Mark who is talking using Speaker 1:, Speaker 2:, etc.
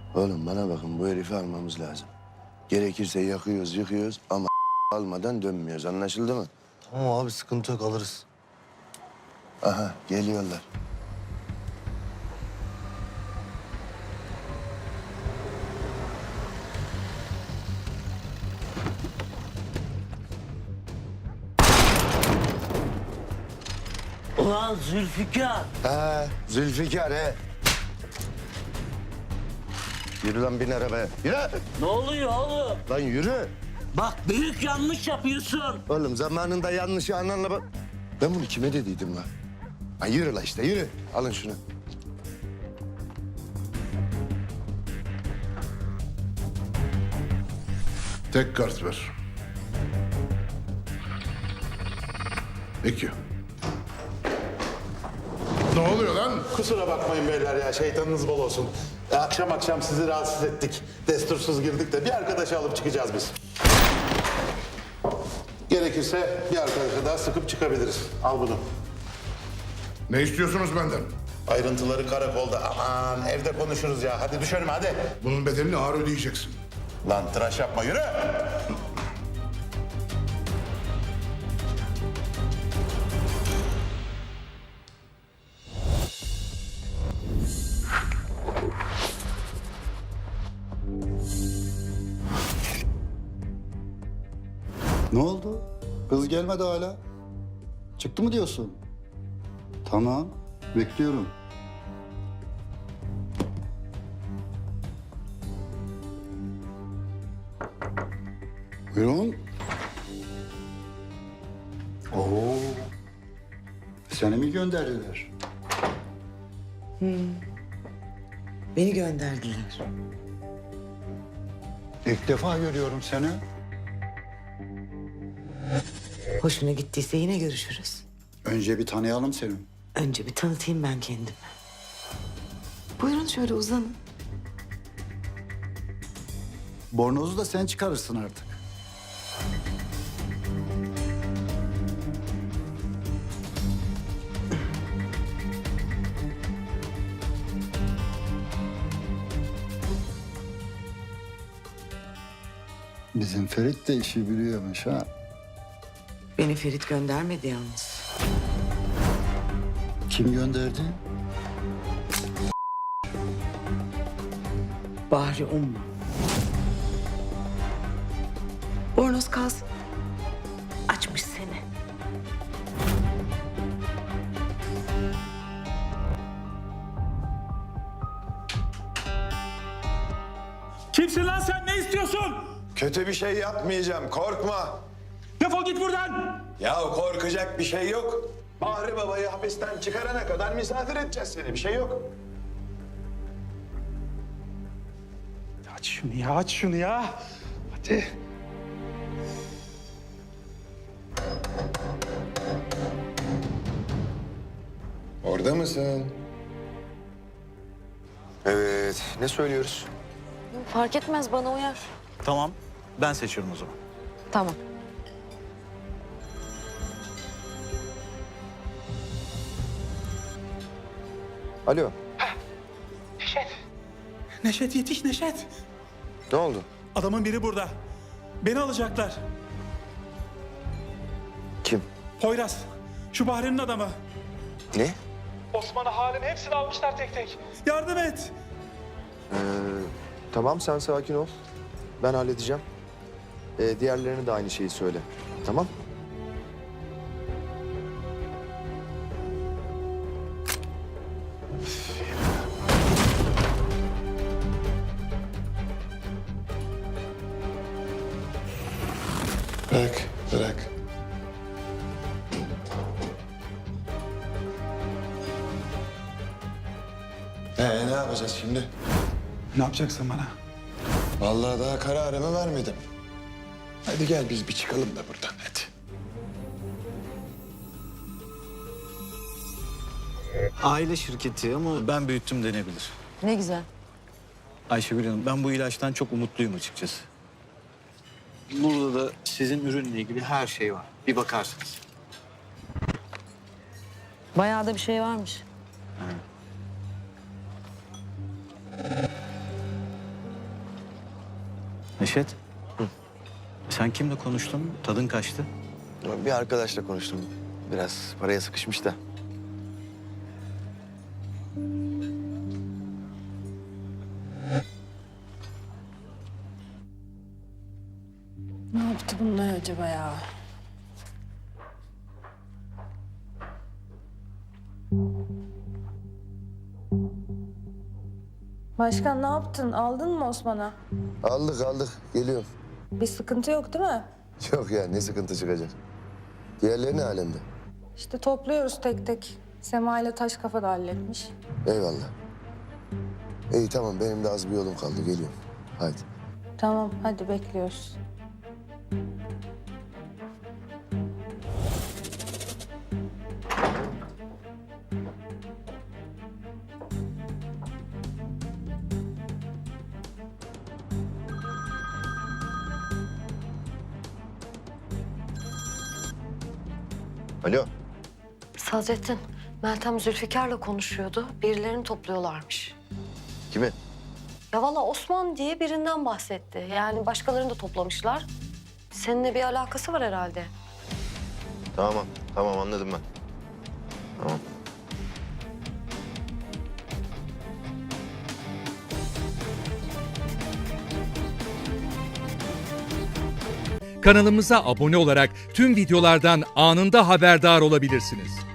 Speaker 1: Oğlum bana bakın, bu herifi almamız lazım. Gerekirse yakıyoruz, yıkıyoruz ama almadan dönmüyoruz. Anlaşıldı mı?
Speaker 2: Tamam abi, sıkıntı yok, alırız.
Speaker 1: Aha, geliyorlar.
Speaker 3: Ulan Zülfikar.
Speaker 1: Zülfikar he. Yürü lan, bin arabaya. Yürü.
Speaker 3: Ne oluyor oğlum?
Speaker 1: Lan yürü.
Speaker 3: Bak büyük yanlış yapıyorsun.
Speaker 1: Oğlum zamanında yanlışı ananla bak. Ben bunu kime dediydim lan? Ha yürü la işte, yürü. Alın şunu.
Speaker 4: Tek kart ver. Peki. Ne oluyor lan?
Speaker 5: Kusura bakmayın beyler ya, şeytanınız bol olsun. Akşam akşam sizi rahatsız ettik. Destursuz girdik de bir arkadaşı alıp çıkacağız biz. Gerekirse bir arkadaşa daha sıkıp çıkabiliriz. Al bunu.
Speaker 4: Ne istiyorsunuz benden?
Speaker 5: Ayrıntıları karakolda. Aman evde konuşuruz ya. Hadi düşelim hadi.
Speaker 4: Bunun bedelini ağır ödeyeceksin.
Speaker 5: Lan tıraş yapma, yürü.
Speaker 6: Ne oldu? Kız gelmedi hala. Çıktı mı diyorsun? Tamam, bekliyorum. Buyurun. Oo. Seni mi gönderdiler?
Speaker 7: Beni gönderdiler.
Speaker 6: İlk defa görüyorum seni.
Speaker 7: Hoşuna gittiyse yine görüşürüz.
Speaker 6: Önce bir tanıyalım seni.
Speaker 7: Önce bir tanıtayım ben kendimi. Buyurun şöyle uzanın.
Speaker 6: Bornozu da sen çıkarırsın artık. Bizim Ferit de işi biliyormuş ha.
Speaker 7: Beni Ferit göndermedi yalnız.
Speaker 6: Kim gönderdi?
Speaker 7: Bahri Umma. Bornoz kalsın. Açmış seni.
Speaker 8: Kimsin lan sen? Ne istiyorsun?
Speaker 1: Kötü bir şey yapmayacağım, korkma.
Speaker 8: Defol git buradan.
Speaker 1: Ya korkacak bir şey yok. Bahri Baba'yı hapisten çıkarana kadar misafir edeceğiz seni, bir şey yok.
Speaker 8: Aç şunu ya, aç şunu ya. Hadi.
Speaker 1: Orada mısın? Evet, ne söylüyoruz?
Speaker 9: Fark etmez, bana uyar.
Speaker 10: Tamam, ben seçiyorum o zaman.
Speaker 9: Tamam.
Speaker 1: Alo,
Speaker 8: Neşet yetiş Neşet.
Speaker 1: ne oldu?
Speaker 8: Adamın biri burada. Beni alacaklar.
Speaker 1: Kim?
Speaker 8: Poyraz. Şu Bahri'nin adamı.
Speaker 1: Ne?
Speaker 8: Osman'ı, Halim hepsini almışlar tek tek. Yardım et.
Speaker 11: Tamam, sen sakin ol. Ben halledeceğim. Diğerlerine de aynı şeyi söyle. Tamam?
Speaker 1: Bırak, bırak. Ne yapacağız şimdi?
Speaker 8: Ne yapacaksın bana?
Speaker 1: Vallahi daha kararımı vermedim. Hadi gel biz bir çıkalım da buradan, hadi.
Speaker 10: Aile şirketi ama ben büyüttüm denebilir.
Speaker 9: Ne güzel.
Speaker 10: Ayşegül Hanım, ben bu ilaçtan çok umutluyum açıkçası. Burada da sizin ürünle ilgili her şey var. Bir bakarsınız.
Speaker 9: Bayağı da bir şey varmış.
Speaker 10: Neşet. Sen kimle konuştun? Tadın kaçtı.
Speaker 11: Bir arkadaşla konuştum. Biraz paraya sıkışmış da.
Speaker 9: Ne yaptı bunlar acaba ya?
Speaker 12: Başkan ne yaptın? Aldın mı Osman'a?
Speaker 1: Aldık. Geliyorum.
Speaker 12: Bir sıkıntı yok değil mi?
Speaker 1: Yok ya ne sıkıntı çıkacak. Diğerleri ne alemde?
Speaker 12: İşte topluyoruz tek tek. Sema ile taş kafa da halletmiş.
Speaker 1: Eyvallah. İyi tamam benim de az bir yolum kaldı geliyorum. Haydi.
Speaker 12: Tamam hadi bekliyoruz.
Speaker 11: Alo.
Speaker 9: Sadrettin, Meltem Zülfikar'la konuşuyordu. Birilerini topluyorlarmış.
Speaker 11: Kimi?
Speaker 9: Ya valla Osman diye birinden bahsetti. Yani başkalarını da toplamışlar. Seninle bir alakası var herhalde.
Speaker 11: Tamam anladım ben. Tamam.
Speaker 13: Kanalımıza abone olarak tüm videolardan anında haberdar olabilirsiniz.